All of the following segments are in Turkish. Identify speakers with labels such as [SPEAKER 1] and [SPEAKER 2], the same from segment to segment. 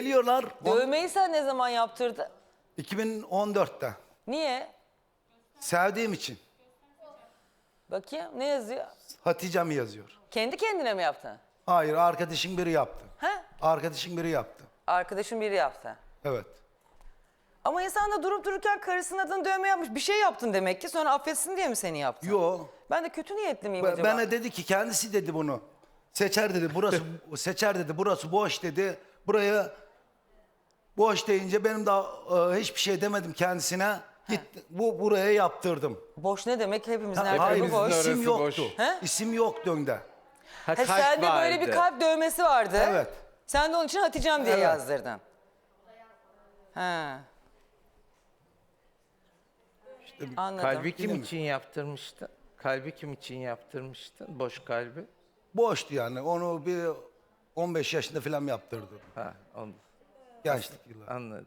[SPEAKER 1] Geliyorlar.
[SPEAKER 2] Dövmeyi sen ne zaman yaptırdın?
[SPEAKER 1] 2014'te.
[SPEAKER 2] Niye?
[SPEAKER 1] Sevdiğim için.
[SPEAKER 2] Bakayım ne yazıyor?
[SPEAKER 1] Hatice'm yazıyor.
[SPEAKER 2] Kendi kendine mi yaptın?
[SPEAKER 1] Hayır, arkadaşın biri yaptı.
[SPEAKER 2] He?
[SPEAKER 1] Arkadaşın biri yaptı.
[SPEAKER 2] Arkadaşın biri yaptı.
[SPEAKER 1] Evet.
[SPEAKER 2] Ama insan da durup dururken karısının adını dövme yapmış. Bir şey yaptın demek ki, sonra affetsin diye mi seni yaptı?
[SPEAKER 1] Yo.
[SPEAKER 2] Ben de kötü niyetli miyim acaba?
[SPEAKER 1] Bana dedi ki, kendisi dedi bunu. Seçer dedi, burası seçer dedi, burası boş dedi. Buraya boş deyince benim daha hiçbir şey demedim kendisine. Git buraya yaptırdım.
[SPEAKER 2] Boş ne demek? Hepimizin her
[SPEAKER 1] Hayır,
[SPEAKER 2] tarafı boş.
[SPEAKER 1] isim
[SPEAKER 3] Orası
[SPEAKER 1] yoktu.
[SPEAKER 3] boş.
[SPEAKER 2] He?
[SPEAKER 1] İsim yoktu önde.
[SPEAKER 3] Ha,
[SPEAKER 2] He, sende böyle bir kalp dövmesi vardı.
[SPEAKER 1] Evet.
[SPEAKER 2] Sen de onun için Hatice'm diye
[SPEAKER 1] Evet.
[SPEAKER 2] yazdırdın. Ha. Anladım.
[SPEAKER 3] Kalbi kim için yaptırmıştın? Kalbi kim için yaptırmıştın? Boş kalbi.
[SPEAKER 1] Boştu yani. Onu bir 15 yaşında falan yaptırdım.
[SPEAKER 3] Ha, onu
[SPEAKER 1] Gençlik yılları.
[SPEAKER 3] anladım.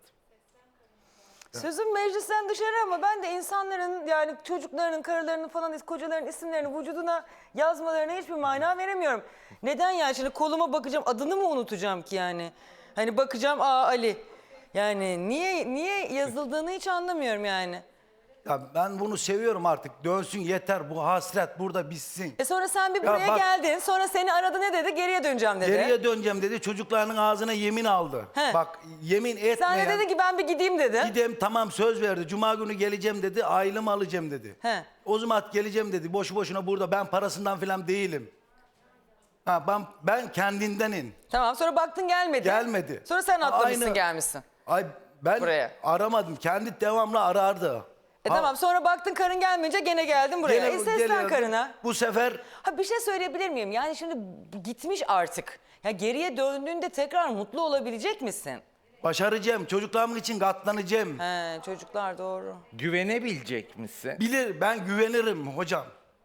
[SPEAKER 2] Sözüm meclisten dışarı ama ben de insanların, yani çocuklarının, karılarının falan, kocalarının isimlerini vücuduna yazmalarına hiçbir mana veremiyorum. Neden yani? Şimdi koluma bakacağım, adını mı unutacağım ki yani? Hani bakacağım, Ali. Yani niye yazıldığını hiç anlamıyorum yani.
[SPEAKER 1] Ya ben bunu seviyorum artık. Dönsün yeter. Bu hasret burada bitsin.
[SPEAKER 2] Sonra sen bir buraya
[SPEAKER 1] bak-
[SPEAKER 2] geldin. Sonra seni aradı, ne dedi? Geriye döneceğim dedi.
[SPEAKER 1] Geriye döneceğim dedi. Çocuklarının ağzına yemin aldı.
[SPEAKER 2] He.
[SPEAKER 1] Bak, yemin etmeyen.
[SPEAKER 2] Sen de dedin ki ben bir gideyim dedi.
[SPEAKER 1] Gideyim, tamam, söz verdi. Cuma günü geleceğim dedi. Ailemi alacağım dedi.
[SPEAKER 2] He.
[SPEAKER 1] O zaman geleceğim dedi. Boşu boşuna burada. Ben parasından falan değilim. Ha, ben kendindenim.
[SPEAKER 2] Tamam, sonra baktın gelmedi.
[SPEAKER 1] Gelmedi.
[SPEAKER 2] Sonra sen atlamışsın,
[SPEAKER 1] Aynı-
[SPEAKER 2] gelmişsin.
[SPEAKER 1] Ay, ben
[SPEAKER 2] Buraya.
[SPEAKER 1] aramadım. Kendi devamlı arardı.
[SPEAKER 2] Tamam, sonra baktın karın gelmeyince gene geldin buraya.
[SPEAKER 1] Gene-
[SPEAKER 2] Seslen
[SPEAKER 1] geliyordu.
[SPEAKER 2] karına.
[SPEAKER 1] Bu sefer
[SPEAKER 2] Ha, bir şey söyleyebilir miyim? Yani şimdi gitmiş artık. Ya geriye döndüğünde tekrar mutlu olabilecek misin?
[SPEAKER 1] başaracağım. Çocuklarım için katlanacağım.
[SPEAKER 2] He, çocuklar doğru.
[SPEAKER 3] Güvenebilecek misin?
[SPEAKER 1] Bilir, ben güvenirim hocam.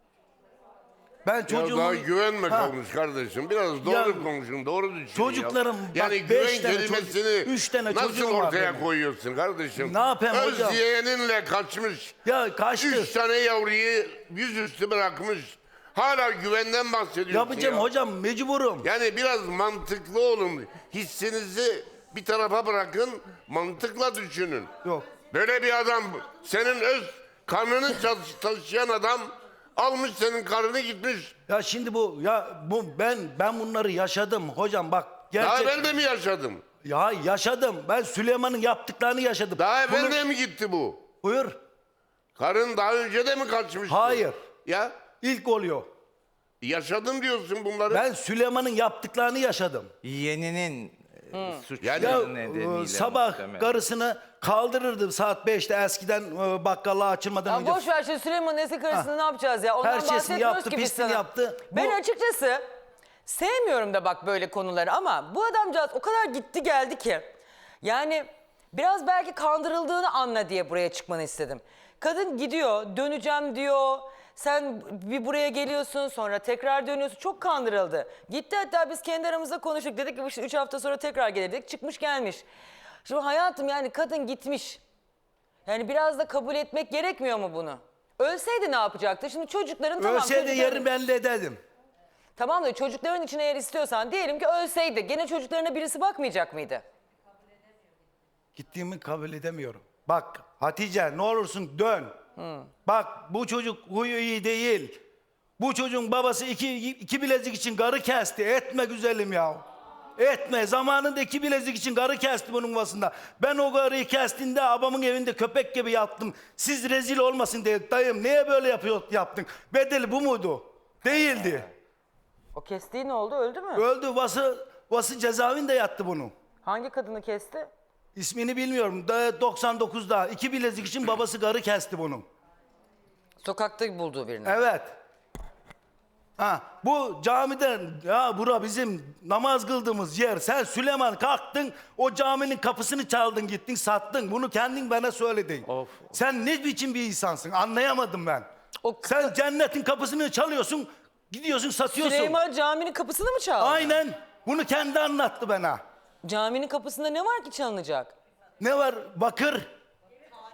[SPEAKER 1] Ben
[SPEAKER 4] Ya
[SPEAKER 1] çocuğumun...
[SPEAKER 4] daha güvenme
[SPEAKER 1] Ha.
[SPEAKER 4] konuş kardeşim. Biraz doğru
[SPEAKER 1] Ya,
[SPEAKER 4] konuşun, doğru düşünün.
[SPEAKER 1] çocuklarım,
[SPEAKER 4] ya.
[SPEAKER 1] bak,
[SPEAKER 4] Yani
[SPEAKER 1] 5
[SPEAKER 4] güven
[SPEAKER 1] tane
[SPEAKER 4] kelimesini
[SPEAKER 1] çocuk- 3 tane
[SPEAKER 4] nasıl
[SPEAKER 1] çocuğum var
[SPEAKER 4] ortaya
[SPEAKER 1] benim.
[SPEAKER 4] koyuyorsun kardeşim?
[SPEAKER 1] Ne yapayım
[SPEAKER 4] Öz
[SPEAKER 1] hocam?
[SPEAKER 4] yeğeninle kaçmış.
[SPEAKER 1] Ya kaçtı.
[SPEAKER 4] 3 tane yavruyu yüzüstü bırakmış. Hala güvenden bahsediyorsun
[SPEAKER 1] Yapacağım
[SPEAKER 4] ya.
[SPEAKER 1] hocam, mecburum.
[SPEAKER 4] Yani biraz mantıklı olun. Hissinizi bir tarafa bırakın, mantıkla düşünün.
[SPEAKER 1] Yok.
[SPEAKER 4] Böyle bir adam, senin öz karnını taşıyan adam almış senin karını gitmiş.
[SPEAKER 1] Ya şimdi ben bunları yaşadım hocam, bak
[SPEAKER 4] Daha
[SPEAKER 1] gerçek.
[SPEAKER 4] evvel de mi yaşadım?
[SPEAKER 1] Ya yaşadım. Ben Süleyman'ın yaptıklarını yaşadım.
[SPEAKER 4] Daha evvel
[SPEAKER 1] Bunu-
[SPEAKER 4] de mi gitti bu?
[SPEAKER 1] Buyur.
[SPEAKER 4] Karın daha önce de mi kaçmıştı?
[SPEAKER 1] Hayır.
[SPEAKER 4] Ya
[SPEAKER 1] İlk oluyor.
[SPEAKER 4] yaşadım diyorsun bunları.
[SPEAKER 1] Ben Süleyman'ın yaptıklarını yaşadım.
[SPEAKER 3] Yeğeninin suçları
[SPEAKER 4] Yani-
[SPEAKER 1] Ya
[SPEAKER 3] nedeniyle
[SPEAKER 1] sabah
[SPEAKER 3] muhtemelen.
[SPEAKER 1] karısını kaldırırdım saat 5'te, eskiden bakkallığa açılmadan
[SPEAKER 2] Ya
[SPEAKER 1] önce.
[SPEAKER 2] boş ver şimdi, Süleyman'ın eski karısını ne yapacağız ya? Ondan
[SPEAKER 1] Her şeysini
[SPEAKER 2] bahsetmiyoruz
[SPEAKER 1] yaptı,
[SPEAKER 2] ki biz
[SPEAKER 1] pisliğini
[SPEAKER 2] sana.
[SPEAKER 1] yaptı.
[SPEAKER 2] Ben
[SPEAKER 1] Bu-
[SPEAKER 2] açıkçası sevmiyorum da bak böyle konuları, ama bu adamcağız o kadar gitti geldi ki. Yani biraz belki kandırıldığını anla diye buraya çıkmanı istedim. Kadın gidiyor, döneceğim diyor. Sen bir buraya geliyorsun, sonra tekrar dönüyorsun. Çok kandırıldı. Gitti, hatta biz kendi aramızda konuştuk. Dedik ki işte 3 hafta sonra tekrar gelir dedik. Çıkmış gelmiş. Şimdi hayatım, yani kadın gitmiş. Yani biraz da kabul etmek gerekmiyor mu bunu? Ölseydi ne yapacaktı? Şimdi çocukların tamam.
[SPEAKER 1] Ölseydi
[SPEAKER 2] çocukların-
[SPEAKER 1] yerini belli ederdim.
[SPEAKER 2] Tamam da çocukların için eğer istiyorsan, diyelim ki ölseydi, gene çocuklarına birisi bakmayacak mıydı?
[SPEAKER 1] Gittiğimi kabul edemiyorum. Bak Hatice, ne olursun dön. Bak, bu çocuk huyu iyi değil. Bu çocuğun babası iki bilezik için karı kesti. Etme güzelim ya. Etme. Zamanında 2 bilezik için karı kesti bunun yuvasında. Ben o karıyı kestiğinde babamın evinde köpek gibi yattım. Siz rezil olmasın diye. Dayım niye böyle yaptın? Bedeli bu muydu? Değildi.
[SPEAKER 2] O kestiği ne oldu? Öldü mü?
[SPEAKER 1] Öldü. Vası cezaevinde yattı bunun.
[SPEAKER 2] Hangi kadını kesti?
[SPEAKER 1] İsmini bilmiyorum. 99'da 2 bilezik için babası karı kesti bunun.
[SPEAKER 2] Sokakta bulduğu birini.
[SPEAKER 1] Evet. Ha, bu camiden, ya bura bizim namaz kıldığımız yer. Sen Süleyman kalktın, o caminin kapısını çaldın, gittin sattın. Bunu kendin bana söyledin.
[SPEAKER 3] Of.
[SPEAKER 1] Sen ne biçim bir insansın, anlayamadım ben.
[SPEAKER 2] O
[SPEAKER 1] Sen cennetin kapısını çalıyorsun, gidiyorsun satıyorsun.
[SPEAKER 2] Süleyman caminin kapısını mı çaldı?
[SPEAKER 1] Aynen. Bunu kendi anlattı bana.
[SPEAKER 2] Caminin kapısında ne var ki çalınacak?
[SPEAKER 1] Ne var? Bakır.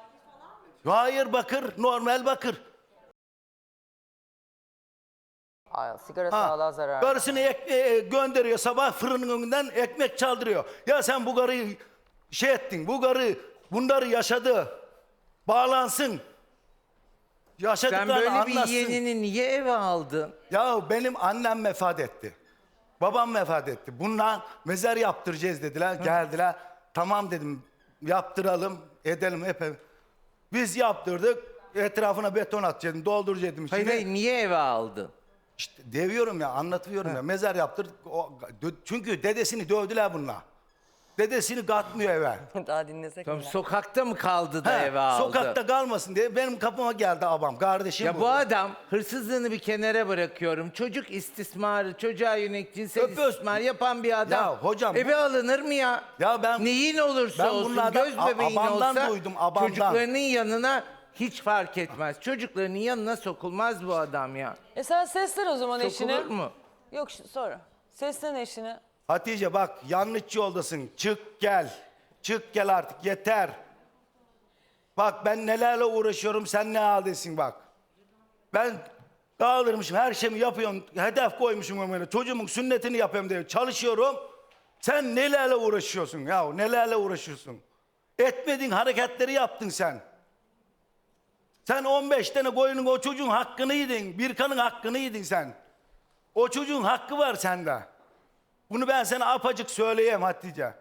[SPEAKER 1] Hayır, bakır. Normal bakır.
[SPEAKER 2] Ay, sigara
[SPEAKER 1] Ha,
[SPEAKER 2] sağlığa zarar.
[SPEAKER 1] Karısını gönderiyor sabah fırının önünden ekmek çaldırıyor. Ya sen bu karıyı şey ettin. Bu karı bunları yaşadı. Bağlansın.
[SPEAKER 3] Sen
[SPEAKER 1] Yaşadıklarını
[SPEAKER 3] böyle
[SPEAKER 1] anlatsın.
[SPEAKER 3] bir yeğenini niye eve aldın?
[SPEAKER 1] Ya benim annem vefat etti. Babam vefat etti. Bunlar mezar yaptıracağız dediler. Geldiler. Tamam dedim. Yaptıralım. Edelim hep. Biz yaptırdık. Etrafına beton atacaktım. Dolduracaktım içine.
[SPEAKER 3] Hayır, hayır, niye eve aldın?
[SPEAKER 1] İşte deviyorum ya, anlatıyorum ya. Mezar yaptırdık. Çünkü dedesini dövdüler bunlar. Dedesini katmıyor eve.
[SPEAKER 2] Daha dinlesek
[SPEAKER 3] Tamam,
[SPEAKER 2] mi?
[SPEAKER 3] sokakta mı kaldı da
[SPEAKER 1] He,
[SPEAKER 3] eve aldı?
[SPEAKER 1] sokakta kalmasın diye benim kapıma geldi abam. Kardeşim
[SPEAKER 3] Ya bu adam, hırsızlığını bir kenara bırakıyorum. Çocuk istismarı, çocuğa yönelik cinsel
[SPEAKER 1] Öpüyorsun.
[SPEAKER 3] istismar yapan bir adam.
[SPEAKER 1] Ya hocam,
[SPEAKER 3] eve alınır mı ya?
[SPEAKER 1] Ya ben-
[SPEAKER 3] Neyin olursa
[SPEAKER 1] ben
[SPEAKER 3] olsun,
[SPEAKER 1] bunlardan
[SPEAKER 3] göz bebeğin
[SPEAKER 1] abamdan
[SPEAKER 3] olsa
[SPEAKER 1] duydum, abamdan.
[SPEAKER 3] çocuklarının yanına hiç fark etmez. Çocuklarının yanına sokulmaz bu adam ya.
[SPEAKER 2] Sen seslen o zaman eşine.
[SPEAKER 3] Sokulur mu?
[SPEAKER 2] Yok sonra. Seslen eşine.
[SPEAKER 1] Hatice bak yanlış yoldasın. Çık gel. Çık gel artık yeter. Bak ben nelerle uğraşıyorum sen ne haldesin bak. Ben kaldırmışım her şeyimi yapıyorum. Hedef koymuşum ömrüne. Çocuğumun sünnetini yapıyorum diye çalışıyorum. Sen nelerle uğraşıyorsun ya nelerle uğraşıyorsun. Etmediğin hareketleri yaptın sen. Sen 15 tane koyunun o çocuğun hakkını yedin. Birkan'ın hakkını yedin sen. O çocuğun hakkı var sende. Bunu ben sana apacık söyleyeyim Hatice.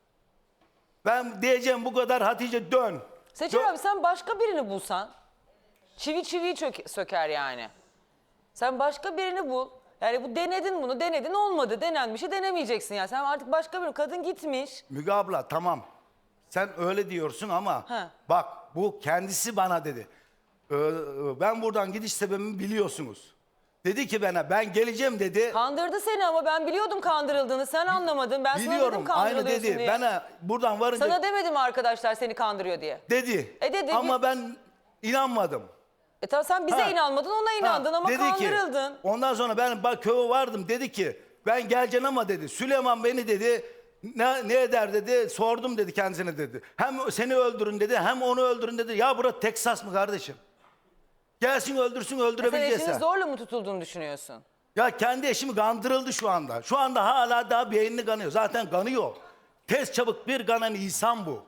[SPEAKER 1] Ben diyeceğim bu kadar Hatice dön.
[SPEAKER 2] Seçer abi sen başka birini bulsan. Çivi çiviyi söker yani. Sen başka birini bul. Yani bu denedin olmadı. Denenmişi denemeyeceksin ya. Sen artık başka bir kadın gitmiş.
[SPEAKER 1] Müge abla tamam. Sen öyle diyorsun ama
[SPEAKER 2] He.
[SPEAKER 1] bak bu kendisi bana dedi. Ben buradan gidiş sebebimi biliyorsunuz. Dedi ki bana ben geleceğim dedi.
[SPEAKER 2] Kandırdı seni ama ben biliyordum kandırıldığını. Sen anlamadın. Ben sana
[SPEAKER 1] Biliyorum
[SPEAKER 2] dedim
[SPEAKER 1] aynı
[SPEAKER 2] kandırılıyorsun
[SPEAKER 1] dedi.
[SPEAKER 2] diye.
[SPEAKER 1] Bana buradan varınca
[SPEAKER 2] Sana demedim arkadaşlar seni kandırıyor diye.
[SPEAKER 1] dedi.
[SPEAKER 2] Dedi.
[SPEAKER 1] Ama ben inanmadım.
[SPEAKER 2] Tamam sen bize
[SPEAKER 1] Ha.
[SPEAKER 2] inanmadın ona inandın
[SPEAKER 1] Ha,
[SPEAKER 2] ama
[SPEAKER 1] dedi
[SPEAKER 2] kandırıldın.
[SPEAKER 1] Ki, ondan sonra ben bak köye vardım dedi ki ben geleceğim ama dedi Süleyman beni dedi ne eder dedi sordum dedi kendisine dedi. Hem seni öldürün dedi hem onu öldürün dedi. Ya burası Teksas mı kardeşim? Gelsin öldürsün
[SPEAKER 2] Sen
[SPEAKER 1] öldürebilecekse.
[SPEAKER 2] eşinin zorla mı tutulduğunu düşünüyorsun?
[SPEAKER 1] Ya kendi eşimi kandırıldı şu anda. Şu anda hala daha beynini kanıyor. Zaten kanıyor. Tez çabuk bir kanan insan bu.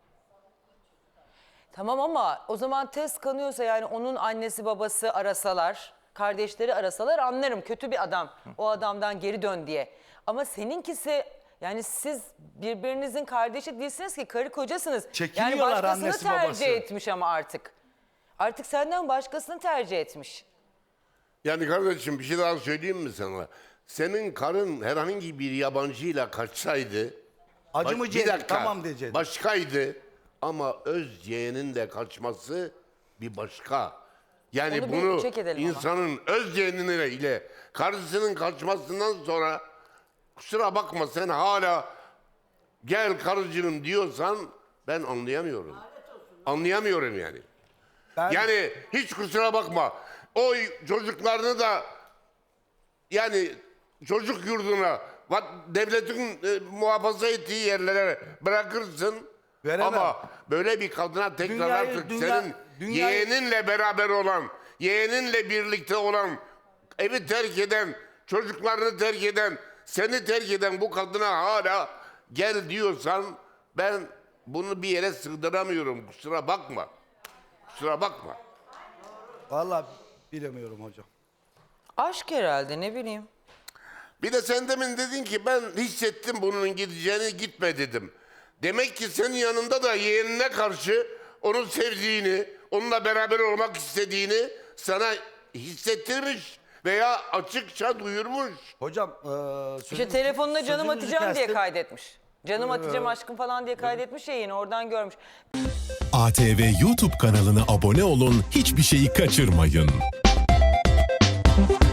[SPEAKER 2] Tamam ama o zaman test kanıyorsa yani onun annesi babası arasalar, kardeşleri arasalar anlarım kötü bir adam. O adamdan geri dön diye. Ama seninkisi yani siz birbirinizin kardeşi değilsiniz ki karı kocasınız. Yani
[SPEAKER 1] Çekiniyorlar
[SPEAKER 2] başkasını
[SPEAKER 1] annesi,
[SPEAKER 2] tercih
[SPEAKER 1] babası.
[SPEAKER 2] etmiş ama artık. Artık senden başkasını tercih etmiş.
[SPEAKER 4] Yani kardeşim bir şey daha söyleyeyim mi sana? Senin karın herhangi bir yabancıyla kaçsaydı...
[SPEAKER 1] Acımayacaktı tamam diyecekti.
[SPEAKER 4] Başkaydı ama öz yeğenin de kaçması bir başka. Yani
[SPEAKER 2] Onu bir
[SPEAKER 4] bunu
[SPEAKER 2] check edelim ama.
[SPEAKER 4] insanın öz yeğenine ile karısının kaçmasından sonra kusura bakma sen hala gel karıcığım diyorsan ben anlayamıyorum. Anlayamıyorum yani.
[SPEAKER 1] Ben-
[SPEAKER 4] Yani hiç kusura bakma. O çocuklarını da yani çocuk yurduna devletin muhafaza ettiği yerlere bırakırsın.
[SPEAKER 1] Veremem.
[SPEAKER 4] Ama böyle bir kadına tekrar
[SPEAKER 1] Dünyayı-
[SPEAKER 4] artık
[SPEAKER 1] dünya-
[SPEAKER 4] senin
[SPEAKER 1] dünyayı-
[SPEAKER 4] yeğeninle beraber olan, yeğeninle birlikte olan, evi terk eden, çocuklarını terk eden, seni terk eden bu kadına hala gel diyorsan ben bunu bir yere sığdıramıyorum. Kusura bakma. Kusura bakma.
[SPEAKER 1] Vallahi bilemiyorum hocam.
[SPEAKER 2] Aşk herhalde ne bileyim.
[SPEAKER 4] Bir de sen demin dedin ki ben hissettim bunun gideceğini gitme dedim. Demek ki senin yanında da yeğenine karşı onun sevdiğini, onunla beraber olmak istediğini sana hissettirmiş veya açıkça duyurmuş.
[SPEAKER 1] Hocam
[SPEAKER 2] İşte telefonuna canım
[SPEAKER 1] sözünüzü
[SPEAKER 2] atacağım diye
[SPEAKER 1] kestim.
[SPEAKER 2] kaydetmiş. Canım atacağım aşkım falan diye kaydetmiş ya yine oradan görmüş.
[SPEAKER 5] ATV YouTube kanalına abone olun, hiçbir şeyi kaçırmayın.